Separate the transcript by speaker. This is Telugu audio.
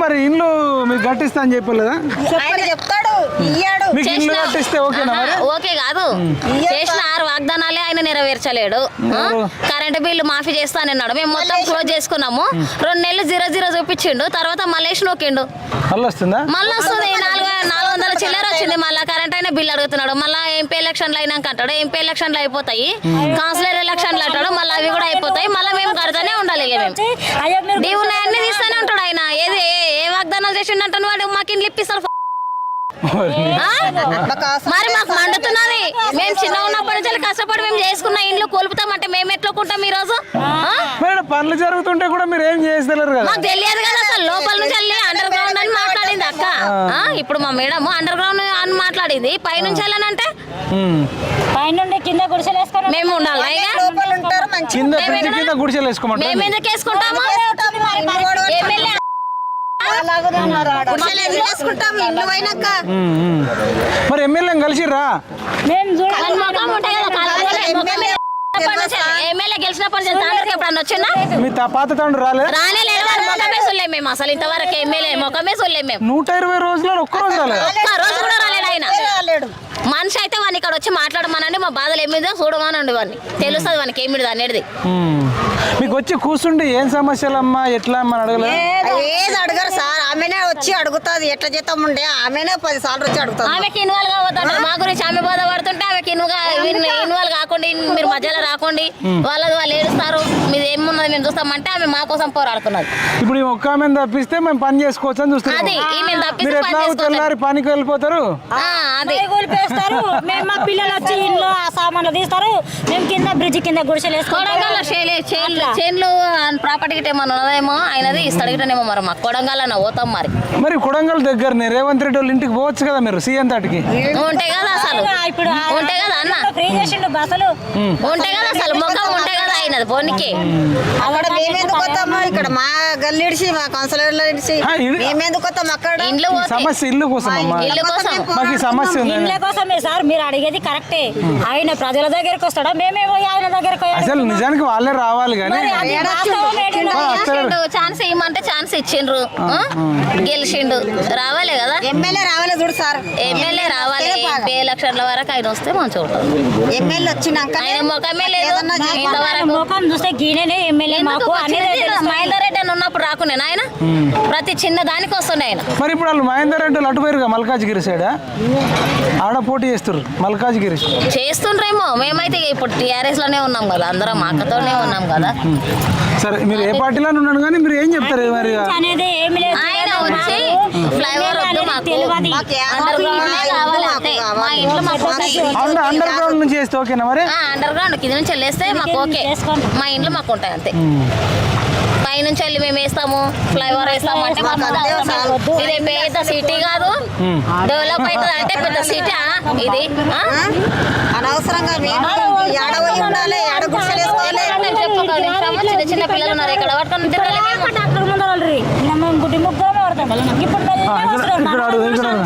Speaker 1: మరి ఇల్లు మీకు కట్టిస్తా అని చెప్పలేదా?
Speaker 2: చెప్తాడు
Speaker 1: మీకు ఇల్లు కట్టిస్తే ఓకేనా?
Speaker 3: ఓకే కాదు, చేసిన 6 వాగ్దానాలే ఆయన నెరవేర్చలేడు. కరెంట్ బిల్లు మాఫీ చేస్తానన్నాడు, మేము మొత్తం క్లోజ్ చేసుకున్నాము. 2 నెలలు 0 చూపించిండు, తర్వాత మళ్ళీ నొక్కిండు.
Speaker 1: మళ్ళీ వస్తుందా?
Speaker 3: మళ్ళీ వస్తుంది. 400 చిల్లర వచ్చింది. మళ్ళీ కరెంట్ అయినా బిల్లు అడుగుతున్నాడు. మళ్ళీ ఎంపీ ఎలక్షన్లు అయినాక అంటాడు, ఎంపీ ఎలక్షన్లు అయిపోతాయి, కౌన్సిలర్ ఎలక్షన్లు అంటాడు, మళ్ళీ అవి కూడా అయిపోతాయి. మళ్ళీ మేము కడతానే ఉండాలి. మేము డీ ఉన్నాయన్నీ తీస్తూనే ఉంటాడు ఆయన. ఏది ఏ వాగ్దానాలు చేసిండంటాను వాడు మాకు ఇండ్లు ఇప్పిస్తాడు. మరి మాకు మండుతున్నది. మేము చిన్న ఉన్నప్పటి నుంచి కష్టపడి మేము చేసుకున్న ఇండ్లు కోల్పుతామంటే మేము ఎట్లుకుంటాం ఈ రోజు?
Speaker 1: పనులు జరుగుతుంటే కూడా మీరు ఏం చేస్తలేరు కదా?
Speaker 3: మాకు తెలియదు కదా అసలు. లోపల నుంచి వెళ్ళి అండర్ గ్రౌండ్ అని మాట్లాడింది అక్క. ఇప్పుడు మా మేడం అండర్ గ్రౌండ్ అని మాట్లాడింది. పైనుంచి వెళ్ళానంటే
Speaker 2: పైనుండి కింద గుడిసెలు వేసుకొని
Speaker 3: మేము ఉండాలి.
Speaker 1: కింద గుడిసెలు వేసుకోమంటారు.
Speaker 3: మేము ఎందుకు వేసుకుంటాము? ఎమ్మెల్యే
Speaker 1: మరి ఎమ్మెల్యే కలిసిర్రా?
Speaker 3: ఎమ్మెల్యే గెలిచినప్పటి నుంచి తాండ్రకి ఎప్పుడన్నా వచ్చిందా?
Speaker 1: మీ పాత తాండ్రు రాలేదు?
Speaker 3: రానేలేదు. మొక్కమే చూడలేము మేము అసలు ఇంతవరకు. ఎమ్మెల్యే మొక్కమే చూడలేము మేము.
Speaker 1: 120 రోజుల్లో ఒక్క రోజు రాలేదు.
Speaker 3: ఒక్క రోజు కూడా రాలేడు ఆయన. మనిషి అయితే వాడిని ఇక్కడ వచ్చి మాట్లాడమనండి, మా బాధలు ఏమిదో చూడమనండి, వాడిని తెలుస్తుంది వానికి ఏమిది అనేది.
Speaker 1: మీకు వచ్చి కూర్చుంటే ఏం సమస్యలమ్మా ఎట్లా అమ్మని అడగలేదు?
Speaker 2: ఏది అడగరు సార్, ఆమెనే వచ్చి అడుగుతుంది. ఎట్లా జీతం ఉండే ఆమెనే 10 సార్లు వచ్చి అడుగుతుంది.
Speaker 3: ఆమెకి ఇన్వాల్వ్ కావద్దంట. మా గురించి ఆమె బాధపడుతుంటే ఆమెకి ఇన్వాల్వ్ కాకుండా మీరు మధ్యలో రాకండి, వాళ్ళది వాళ్ళు ఏడుస్తారు, మీది ఏమున్నది మేము చూస్తామంటే ఆమె మా కోసం పోరాడుతున్నది.
Speaker 1: ఇప్పుడు ఒక్క ఆమె తప్పిస్తే మేము పని చేసుకోవచ్చు అని చూస్తాం.
Speaker 3: అది ఈమె
Speaker 1: మీరు ఎట్లా తెల్లారి పనికి వెళ్ళిపోతారు.
Speaker 3: అది
Speaker 2: మేము మా పిల్లలు వచ్చి ఇంట్లో ఆ సామాన్లు తీస్తారు, మేము కింద బ్రిడ్జ్ కింద గుడిసెలు
Speaker 3: కొడంగల్ చేన్లు ప్రాపర్టీ గిట్ట ఏమన్నా ఉన్నదేమో ఆయనది ఇస్తాడు గిట్టనేమో. మరి మాకు కొడంగల్ అన్న పోతాం.
Speaker 1: మరి కొడంగల్ దగ్గరనే రేవంత్ రెడ్డి వాళ్ళ ఇంటికి పోవచ్చు కదా మీరు, సీఎం తాటికి
Speaker 3: ఉంటే కదా అసలు.
Speaker 2: ఇప్పుడు
Speaker 3: ఉంటే కదా అన్న,
Speaker 2: ఫ్రీ చేసిండు బస్సులు
Speaker 3: ఉంటే కదా అసలు. ముఖం ఉంటే కదా అయినది పోనీకి.
Speaker 2: అక్కడ మేమెందుకు వస్తాము? ఇక్కడ మా గల్లిడిచి మా కౌన్సిలర్లు ఇడిచి మేమెందుకు వస్తాం? అక్కడ
Speaker 3: ఇండ్లు
Speaker 1: సమస్య ఇల్లు కోసం
Speaker 3: ఇల్లు కోసం
Speaker 1: మాకు ఈ సమస్య ఉంది.
Speaker 2: ఇండ్ల కోసమే సార్ మీరు అడిగేది కరెక్టే. ఆయన ప్రజల దగ్గరకు వస్తాడా? మేమే పోయి ఆయన దగ్గరకు.
Speaker 1: అసలు నిజానికి వాళ్ళే రావాలి కానీ
Speaker 3: ఛాన్స్ ఇవ్వమంటే ఛాన్స్ ఇచ్చిండ్రు, గెలిచిండు. రావాలి కదా
Speaker 2: ఎమ్మెల్యే రావాలి చూడు సార్,
Speaker 3: ఎమ్మెల్యే రావాలి. ఎంపీ ఎలక్షన్ల వరకు ఆయన వస్తే మంచిగా ఉంటుంది.
Speaker 2: ఎమ్మెల్యే వచ్చినాక
Speaker 3: ఆయన ముఖమే లేదు ఇంతవరకు.
Speaker 2: ముఖం చూస్తే గీనే ఎమ్మెల్యే మాకు
Speaker 3: మహేందర్ రెడ్డి అని ఉన్నప్పుడు రాకునే ఆయన ప్రతి చిన్న దానికి వస్తుండే ఆయన.
Speaker 1: మరి ఇప్పుడు వాళ్ళు మహేందర్ రెడ్డి అటు పోయారుగా మల్కాజ్గిరి సైడ్, ఆడ పోటీ చేస్తారు మల్కాజ్గిరి
Speaker 3: చేస్తుండ్రేమో. మేమైతే ఇప్పుడు టీఆర్ఎస్ లోనే ఉన్నాం కదా, అందరం అక్కతోనే ఉన్నాం కదా.
Speaker 1: సరే మీరు ఏ పార్టీలో ఉన్నాను కానీ మీరు ఏం చెప్తారు? మరి
Speaker 3: ఆయన వచ్చి ఫ్లైఓవర్ వద్దు మాకు, అండర్ గ్రౌండ్ కావాలి అంతే. మా ఇంట్లో మాకు
Speaker 1: అండర్ గ్రౌండ్ నుంచి చేస్తే ఓకేనా? మరి
Speaker 3: అండర్ గ్రౌండ్ కింద నుంచి వెళ్ళేస్తే మాకు ఓకే. మా ఇంట్లో మాకు ఉంటాయి అంతే. పైనుంచి వెళ్ళి మేము వేస్తాము, ఫ్లైఓవర్ వేస్తాము అంటే ఇది పెద్ద సిటీ కాదు, డెవలప్ అవుతుంది అంటే పెద్ద సిటీ ఇది.
Speaker 2: అనవసరంగా
Speaker 3: చిన్న చిన్న పిల్లలు ఉన్నారు ఇక్కడ పట్టుకొని